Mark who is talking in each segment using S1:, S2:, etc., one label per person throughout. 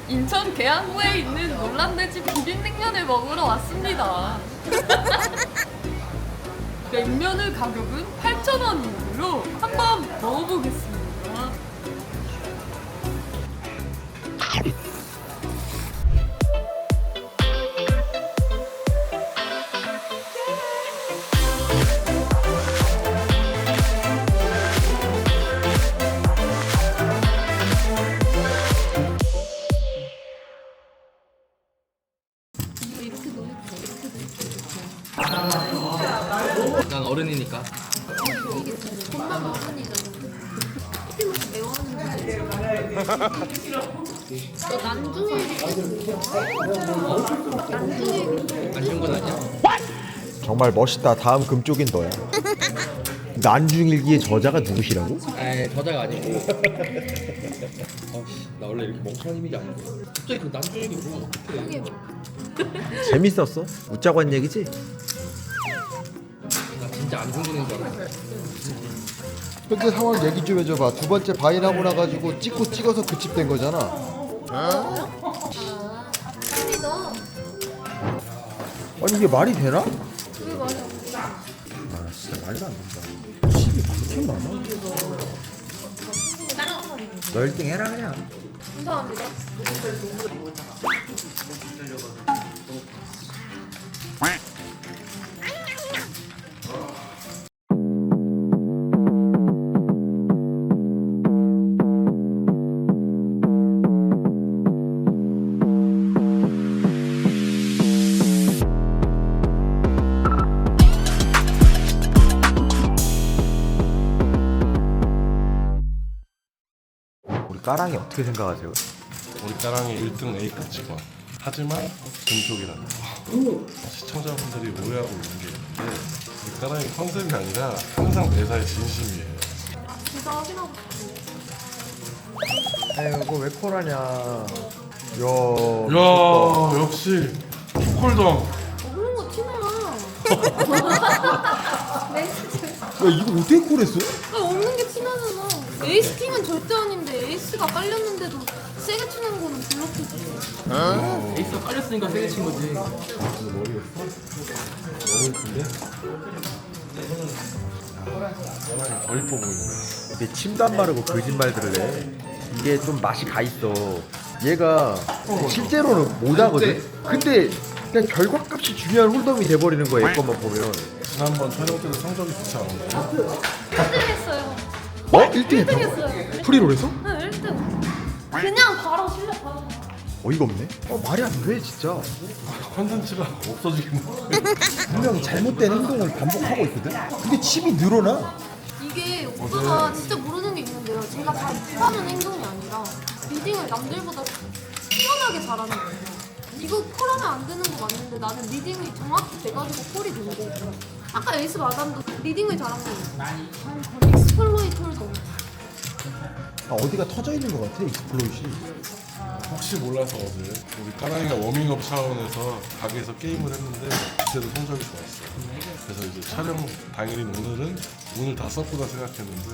S1: 인천 계양구에 있는 놀란돼지 비빔냉면을 먹으러 왔습니다. 냉면의 가격은 8,000원이므로 한번 먹어보겠습니다.
S2: 난 어른이니까. 안 좋은 건 아니야?
S3: 정말 멋있다. 다음 금쪽인 너야. 난중일기의 저자가 누구시라고?
S2: 에이, 저자가 아니고. 나 원래 이렇게 멍청한 이미지 아닌데. 갑자기 그 남편이 뭐 어떻게?
S3: 재밌었어? 웃자고 한 얘기지?
S2: 나 진짜 안 좋은 줄 알았어.
S3: 현재 상황 얘기 좀 해줘봐. 두 번째 바인하고 나가지고 찍어서 그집된 거잖아. 아니 이게 말이 되나?
S1: 왜 말이 안 돼?
S3: 아 진짜 말도 안 된다. 집이 그렇게 많아? 너 1등 해라 그냥.
S1: 감사합니다.
S3: 우리 까랑이 어떻게 생각하세요?
S4: 우리 까랑이 1등 A급 직원. 하지만 금쪽이라는 거. 시청자분들이 오해하고 있는 게 있는데 우리 까랑이 컨셉이 아니라 항상 매사에 진심이에요.
S1: 진짜 확인하고 싶어.
S3: 에이 이거 왜 콜하냐. 야
S4: 야 역시 초콜덤.
S1: 그런 거 티나.
S3: 야 이거 어떻게 콜했어?
S1: 없는 게 티나잖아. 에이스 킹은 절대 아닌데 에이스가 깔렸는데도 세게 치는 거는 블록이지.
S2: 에이스가 깔렸으니까 세게 친 거지.
S4: 더 이뻐 보이네.
S3: 근데 침도 안 바르고 거짓말들을 해. 이게 좀 맛이 가 있어. 얘가 실제로는 못하거든. 근데 그냥 결과값이 중요한 홀덤이 돼버리는 거야. 얘 것만 보면.
S4: 지난번 촬영 때도 성적이 좋지 않았나요?
S1: 1등 했어요.
S3: 어? 1등
S1: 1등
S3: 했다고?
S1: 했어요.
S3: 프리롤에서?
S1: 네, 1등. 그냥 바로 실력 바로.
S3: 어이가 없네. 말이 안 돼 진짜.
S4: 컨텐츠가 없어지겠네.
S3: 분명히 잘못된 행동을 반복하고 있거든. 근데 칩이 늘어나.
S1: 이게 오빠가 진짜 모르는 게 있는데요. 제가 다 못하는 행동이 아니라 리딩을 남들보다 뛰어나게 잘하는 거예요. 이거 콜하면 안 되는 거 맞는데 나는 리딩이 정확히 돼가지고 콜이 된 거고. 아까 에이스 마담도 리딩을 잘한 거예요. 익스플로이터를 너무.
S3: 아, 어디가 터져 있는 것 같아 익스플로이시.
S4: 혹시 몰라서 어제 우리 까랑이가 워밍업 차원에서 가게에서 게임을 했는데 그때도 성적이 좋았어. 그래서 이제 촬영 당일인 오늘은 오늘 다 썼구나 생각했는데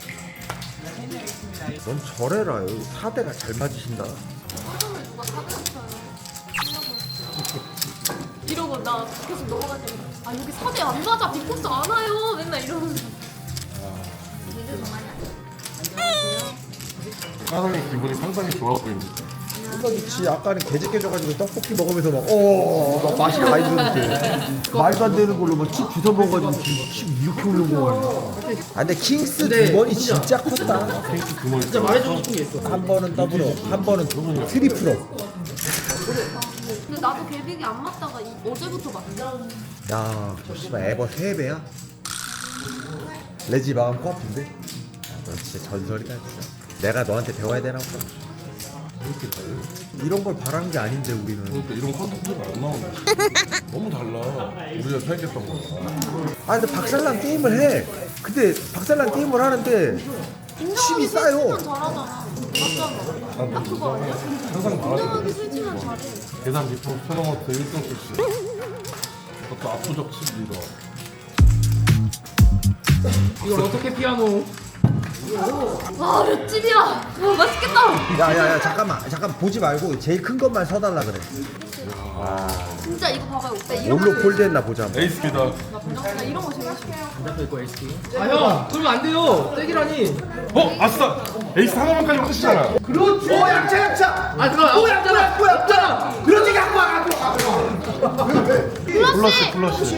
S3: 넌 저래라. 여기 사대가 잘 맞으신다.
S1: 사람을 누가 사대했어요. 이러고 나 계속 넘어가지. 아 여기 사대 안 맞아. 빅코스 안 와요. 맨날 이러면서.
S4: 까랑이 기분이 상당히 좋아 보입니다.
S3: 그렇지. 아까는 개제 깨져가지고 떡볶이 먹으면서 막 맛이 가 있는데 말도 안 되는 걸로 막칩 주워 먹어가지고 칩 이렇게 올린 거야. 아 근데 킹스 두 번이 진짜 컸다.
S4: 핑크 그머리
S2: 진짜 말해주고 싶은 게 있어.
S3: 한 번은 더블로, 한 번은 트리플로.
S1: 근데 나도 개빅이 안 맞다가 어제부터 맞네.
S3: 야, 저 씨발 에버 3배야? 레지 마음 코앞인데? 너 진짜 전설이다 진짜. 내가 너한테 배워야 되나 보다. 이런 걸 바라는 게 아닌데 우리는.
S4: 그러니까 이런 컨텐츠가 안 나오네. 너무 달라. 우리가 생각했던 거랑.
S3: 아 근데 박살난 게임을 해. 근데 박살난 게임을 하는데
S1: 인정하기
S3: 칩이 싸요.
S1: 싫지만 잘하잖아. 맞잖아. 딱 그거 아니야?
S4: 항상
S1: 인정하기
S4: 말하거든.
S1: 싫지만 잘해.
S4: 계산 리포트 토너먼트 1등 출신. 그것도 압도적 칩 리더.
S2: 이걸 어떻게 피아노?
S1: 와 맷집이야. 와 맛있겠다.
S3: 야야야 잠깐 보지 말고 제일 큰 것만 서달라 그래.
S1: 진짜 이거 봐봐요 오빠. 이런
S3: 뭘로
S1: 거
S3: 폴드했나 보자.
S4: 에이스피다.
S1: 나 이런 거 제일 싫어.
S2: 아 형, 그러면 안 돼요. 떼기라니.
S4: 아싸! 에이스 하나만까지 끝이잖아.
S3: 그렇지. 약차.
S2: 아 그거 없잖아.
S3: 그렇지 갖고 와.
S4: 플러시.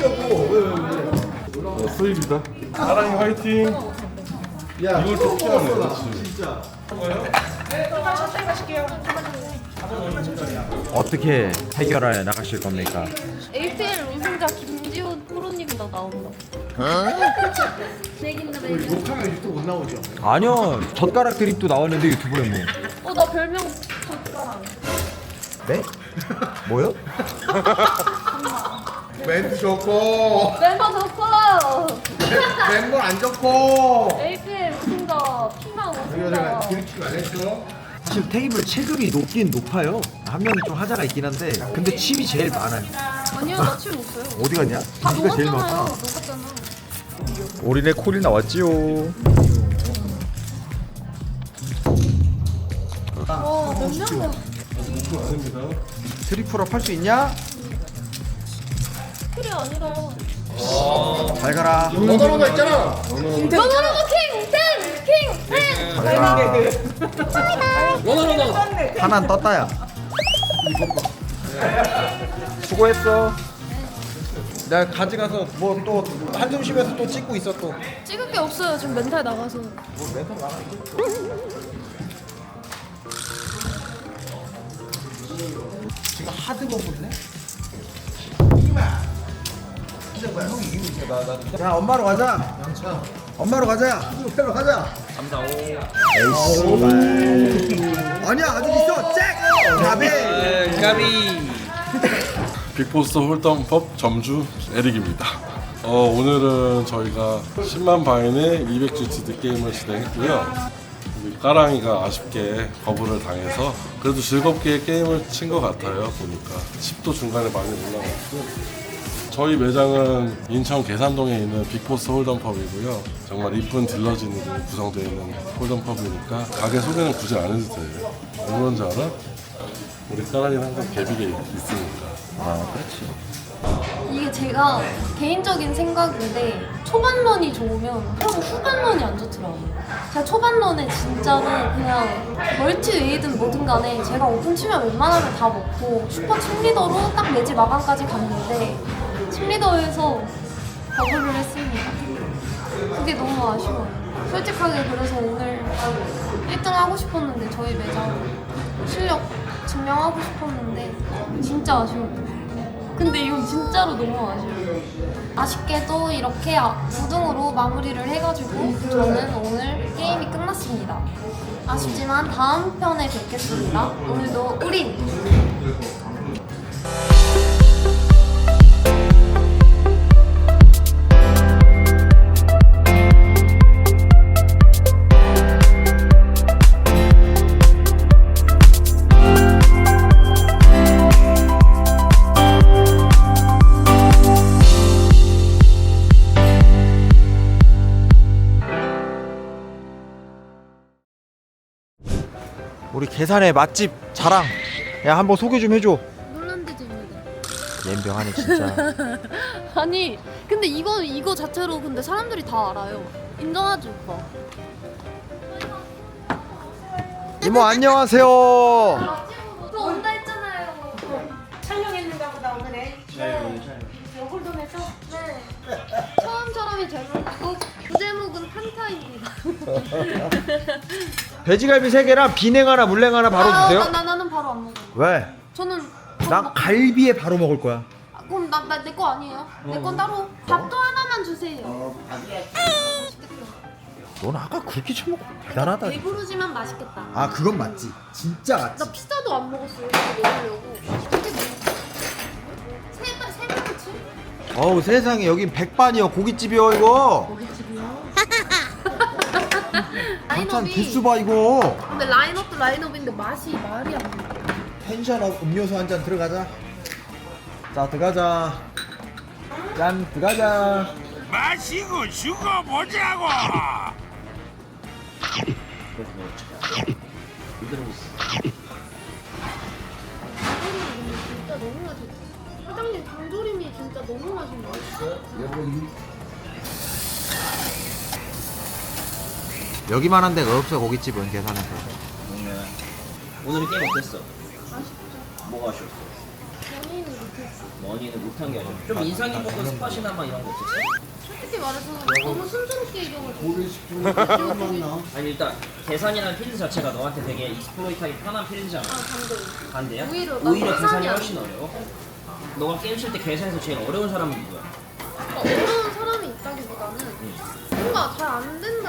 S4: 수입이다. 사랑이 화이팅.
S3: 야
S4: 이걸 또 피하네. 그렇지.
S3: 어떻게 해결하여 나가실 겁니까?
S1: APL 우승자 김지훈 프로님도 나온다. 내긴다 내긴.
S2: 욕하면 유튜브 못 나오죠.
S3: 아니요 젓가락 드립도 나왔는데 유튜브에 뭐.
S1: 나 별명 줬잖아.
S3: 네? 뭐요?
S2: 멘트 좋고
S1: 멤버 좋고
S2: 멤버 안 좋고.
S1: APL 우승자 피망
S2: 이거 제가
S1: 우승자.
S2: 기르치기 안 했어.
S3: 사실 테이블 체급이 높긴 높아요. 한 명이 좀 하자가 있긴 한데 근데 칩이 제일 많아요.
S1: 아니요 나 칠 못 써요.
S3: 어디 갔냐?
S1: 다
S3: 네가 제일
S1: 녹았잖아요.
S3: 많다.
S1: 녹았잖아.
S3: 올인의 콜이 나왔지요.
S1: 와몇 명이야.
S3: 트리플업 할 수 있냐?
S1: 필이 아니라.
S3: 잘 가라.
S2: 너너너너 있잖아.
S1: 너너너너 킹!
S2: 너너너너.
S3: 하나는 떴다야. 수고했어. 내가 가져가서 뭐 또 한숨 쉬면서 또 찍고 있어 또.
S1: 찍을 게 없어요. 지금 멘탈 나가서.
S3: 지금 하드 먹었네. 야 엄마로 가자. 엄마로 가자. 엄마로 가자. 3, 4, 5. 아니야 아직 있어. 잭. 가비.
S4: 빅보스 홀덤법 점주 에릭입니다. 오늘은 저희가 10만 바인의 200GT 게임을 진행했고요. 우리 까랑이가 아쉽게 거부를 당해서 그래도 즐겁게 게임을 친 것 같아요. 보니까 10도 중간에 많이 올라갔고 저희 매장은 인천 계산동에 있는 빅보스 홀덤펍이고요. 정말 이쁜 딜러진으로 구성되어 있는 홀덤펍이니까 가게 소개는 굳이 안 해도 돼요. 왜 그런지 알아? 우리 까랑이는 항상 개비게 있으니까.
S3: 아 그렇지.
S1: 이게 제가 개인적인 생각인데 초반런이 좋으면 형 후반런이 안 좋더라고요. 제가 초반런에 진짜는 그냥 멀티웨이든 뭐든 간에 제가 오픈 치면 웬만하면 다 먹고 슈퍼 챔리더로 딱 매지 마감까지 갔는데 챔리더에서 버블을 했습니다. 그게 너무 아쉬워요. 솔직하게 그래서 오늘 1등 하고 싶었는데 저희 매장 실력 증명하고 싶었는데 진짜 아쉬워요. 근데 이건 진짜로 너무 아쉬워요. 아쉽게도 이렇게 9등으로 마무리를 해가지고 저는 오늘 게임이 끝났습니다. 아쉽지만 다음 편에 뵙겠습니다. 오늘도 우린!
S3: 우리 계산의 맛집 자랑. 야 한번 소개 좀 해줘.
S1: 놀란드즈입니다.
S3: 옌병하네 진짜.
S1: 아니 근데 이거 자체로 근데 사람들이 다 알아요. 인정하지 오빠?
S3: 이모 안녕하세요.
S1: 또 온다 했잖아요.
S5: 촬영했는가 보다 오늘은.
S1: 네. 홀덤에서? 네. 처음처럼이 제목이고 부제목은 판타입니다.
S3: 돼지갈비 3개랑 비냉 하나 물냉 하나 바로 주세요.
S1: 나는 바로 안 먹어요.
S3: 왜?
S1: 저는
S3: 나 갈비에 바로 먹을 거야.
S1: 그럼 내 거 아니에요? 내 건 따로 밥도 하나만 주세요.
S3: 넌 아까 그렇게 처먹고 대단하다.
S1: 배부르지만 맛있겠다.
S3: 아 그건 맞지. 진짜 맞지.
S1: 나 피자도 안 먹었어요. 이거 먹으려고. 이게 세 명치?
S3: 어우 세상에 여긴 백반이요 고깃집이요 이거. 반찬 개수 봐 이거.
S1: 근데 라인업도 라인업인데 맛이 말이 안 돼.
S3: 텐션업 음료수 한 잔 들어가자. 자 들어가자. 짠 들어가자.
S6: 마시고 죽어보자고. 들어오고 있어.
S1: 진짜 너무 맛있어. 사장님 장조림이 진짜 너무 맛있네.
S3: 여기만한 데가 없어 고깃집은 계산해서.
S6: 오늘 게임 어땠어?
S1: 아쉽죠.
S6: 뭐가 아쉬웠어?
S1: 연예인을 못했어.
S6: 머니는 못한 게 아니라 좀 인상 깊었던 스팟이나 막 이런 거 없었어?
S1: 솔직히 말해서 너무 순조롭게 이겨가지고.
S6: 아니 일단 계산이라는 필드 자체가 너한테 되게 익스플로이트하기 편한 필드잖아.
S1: 반대.
S6: 반대야?
S1: 오히려 난
S6: 계산이
S1: 계산이
S6: 훨씬 어려워? 너가 게임 칠 때 계산에서 제일 어려운 사람은 누구야?
S1: 어려운 사람이 있다기보다는 뭔가 잘 안 된다.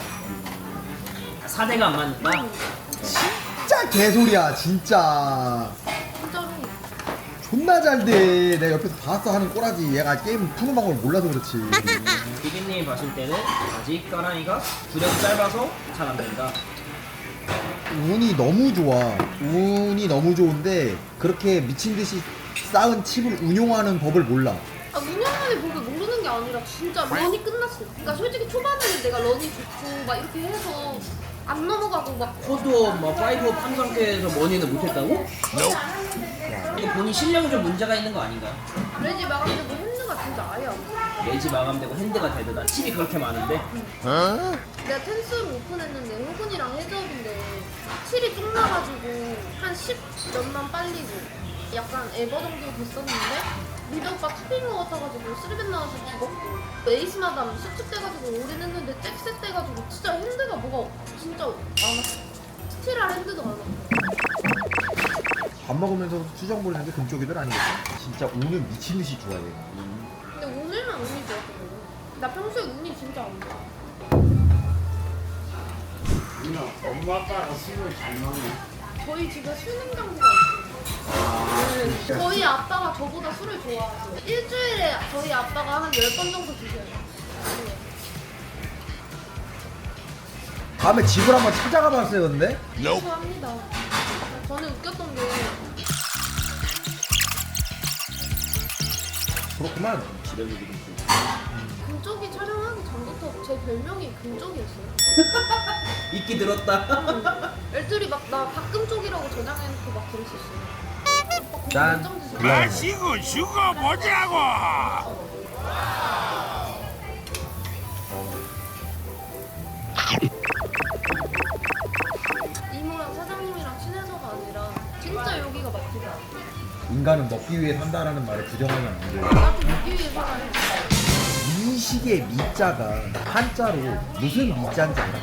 S6: 4대가 안 맞는다?
S3: 진짜 개소리야 진짜.
S1: 진짜로.
S3: 존나 잘 돼. 내가 옆에서 봤어 하는 꼬라지. 얘가 게임 푸는 방법을 몰라서 그렇지.
S6: 비빔님이 봤을 때는 아직 까랑이가 주력이 짧아서 잘 안 된다.
S3: 운이 너무 좋아. 운이 너무 좋은데 그렇게 미친 듯이 쌓은 칩을 운용하는 법을 몰라.
S1: 아, 운영만의 법을 모르는 게 아니라 진짜 런이 끝났어. 그러니까 솔직히 초반에는 내가 런이 좋고 막 이렇게 해서 안 넘어가고 막
S6: 코드업, 막 5업 한 상태에서 머니는 못했다고? 이거 본인 실력이 좀 문제가 있는 거 아닌가요?
S1: 레지 마감되고 핸드가 진짜 아예 안 돼.
S6: 레지 마감되고 핸드가 되드다. 칩이 그렇게 많은데
S1: 내가 텐스로 오픈했는데 호군이랑 해저업인데 칠이 쭉 나가지고 한 10 몇만 빨리고 약간 에버 정도 됐었는데 리드 오빠 탑인 것 같아가지고 쓰리벤 나와서 죽었고 에이스 마담 수축돼가지고 올인했는데 잭셋 돼가지고 진짜 핸드가 뭐가 진짜 안 왔어. 스틸할 핸드도 안 왔어.
S3: 밥 먹으면서 수정 보는 게 금쪽이들 아니겠어? 진짜 운은 미친 듯이 좋아해.
S1: 근데 오늘만 운이 좋았거든. 나 평소에 운이 진짜 안 좋아.
S7: 엄마 아빠가 술을 잘 먹네.
S1: 저희 집에 술 냉장고가 있어요. 네. 저희 아빠가 저보다 술을 좋아하세요. 일주일에 저희 아빠가 한 10번 정도 드셔요. 네.
S3: 다음에 집을 한번 찾아가 봤어요 근데?
S1: 죄송합니다. 저는 웃겼던 게
S3: 그렇구만.
S1: 금쪽이 촬영하기 전부터 제 별명이 금쪽이었어요.
S6: 이끼 들었다.
S1: 애들이 막 나 박금쪽이라고 저장해놓고 막 그랬었어요.
S3: 짠.
S7: 마시고 죽어보자고.
S1: 이모랑 사장님이랑 친해서가 아니라 진짜 여기가 막히다.
S3: 인간은 먹기 위해 산다라는 말을 부정하면 안 돼.
S1: 나도 먹기 위해 살아요.
S3: 미식의 미자가 한자로 무슨 미자인지 알아?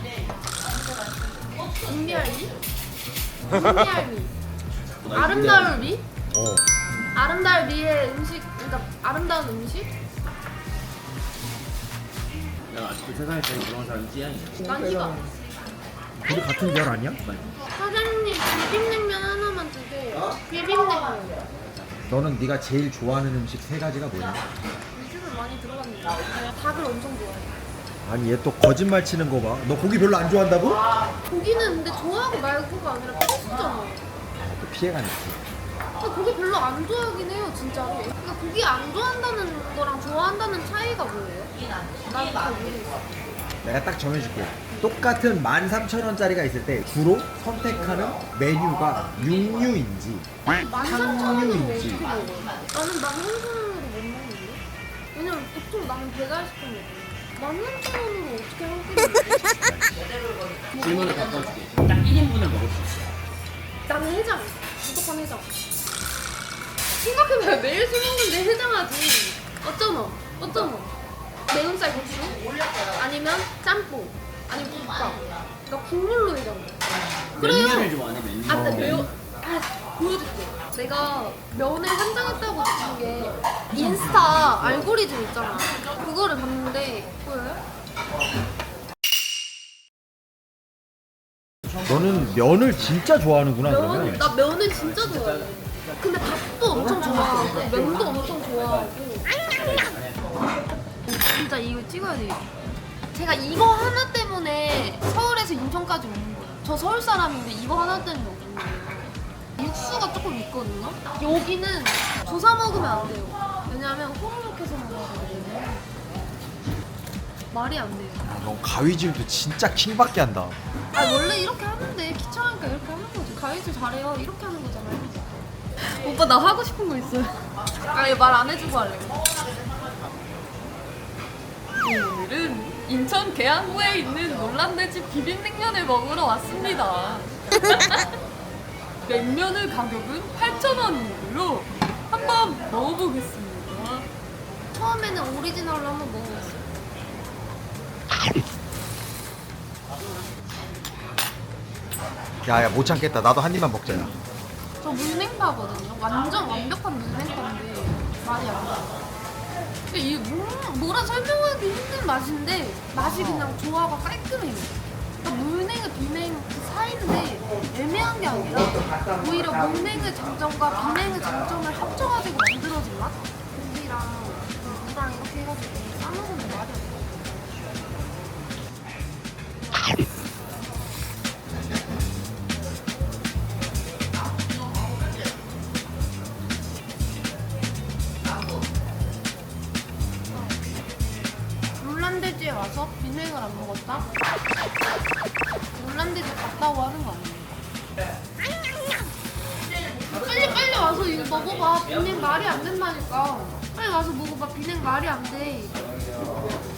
S1: 인비알미? 인비알미. 아름다울 미? 아름다울 미의 음식, 그러니까 아름다운 음식?
S6: 야 아직도 세상에 제일 부러운 사람이 찌양이야.
S1: 난 이거.
S3: 우리 같은 별 아니야?
S1: 사장님 비빔냉면 하나만 주세요. 비빔냉면.
S3: 너는 네가 제일 좋아하는 음식 세 가지가 뭐야?
S1: 육즙을 많이 들어갔는데 닭을 엄청 좋아해.
S3: 아니 얘 또 거짓말 치는 거 봐. 너 고기 별로 안 좋아한다고?
S1: 고기는 근데 좋아하고 말고가 아니라 필수잖아.
S3: 또 피해가네.
S1: 저 고기 별로 안 좋아하긴 해요, 진짜로. 그러니까 고기 안 좋아한다는 거랑 좋아한다는 차이가 뭐예요? 나는 잘 모르겠어.
S3: 내가 딱 정해줄게. 똑같은 13,000원짜리가 있을 때 주로 선택하는 메뉴가 육류인지
S1: 13,000원으로
S3: 탕류인지.
S1: 어떻게 먹어? 나는 13,000원으로 못 먹는데? 왜냐면 보통 나는 배달시켜 먹어. 13,000원으로 어떻게 한 끼를 먹어?
S6: 질문을 바꿔줄게. 딱 1인분을 먹을 수 있어.
S1: 나는 해장. 무조건 해장. 생각해봐요. 매일 술 먹는데 해장하지. 어쩌노? 매운쌀 국수? 아니면 짬뽕? 아니면 국밥? 그러니까 국물로 해장.
S6: 메뉴를 좋아하네 메뉴.
S1: 아, 근데 보여줄게. 내가 면을 한장했다고 느낀 게 인스타 알고리즘 있잖아. 그거를 봤는데 보여요?
S3: 너는 면을 진짜 좋아하는구나 그러면.
S1: 나 면을 진짜 좋아해. 근데 밥도 엄청 좋아하고 면도 엄청 좋아하고. 진짜 이거 찍어야 돼. 제가 이거 하나 때문에 서울에서 인천까지 오는 거예요. 저 서울 사람인데 이거 하나 때문에 오는 거예요. 육수가 조금 있거든요. 여기는 조사 먹으면 안 돼요. 왜냐면 호로록 해서 먹어야 되거든요. 말이 안 돼요.
S3: 너 가위질도 진짜 킹받게 한다.
S1: 아 원래 이렇게 하는데 귀찮으니까 이렇게 하는 거지. 가위질 잘해요. 이렇게 하는 거잖아요. 오빠 나 하고 싶은 거 있어요. 아 이거 말 안 해주고 할래. 오늘은 인천 계양구에 있는 놀란돼지 비빔냉면을 먹으러 왔습니다. 냉면의 가격은 8,000원이고요. 한번 먹어보겠습니다. 처음에는 오리지널로 한번 먹어봤어요.
S3: 야야 못 참겠다. 나도 한 입만 먹자. 야.
S1: 저 물냉파거든요. 완전 완벽한 물냉파인데 말이 안 나요. 근데 이 뭐라 설명하기 힘든 맛인데 맛이 그냥 조화가 깔끔해요. 그러니까 물냉과 비냉 그 사이인데 애매한 게 아니라 오히려 물냉의 장점과 비냉의 장점을 합쳐가지고 만들어진 맛? 고기랑 그 무랑 이렇게 해가지고 싸먹으면 말이 안 나요. 놀란돼지에 와서 비냉을 안 먹었다? 놀란돼지 갔다고 하는 거 아니에요? 빨리 와서 이거 먹어봐. 비냉 말이 안 된다니까. 빨리 와서 먹어봐. 비냉 말이 안 돼.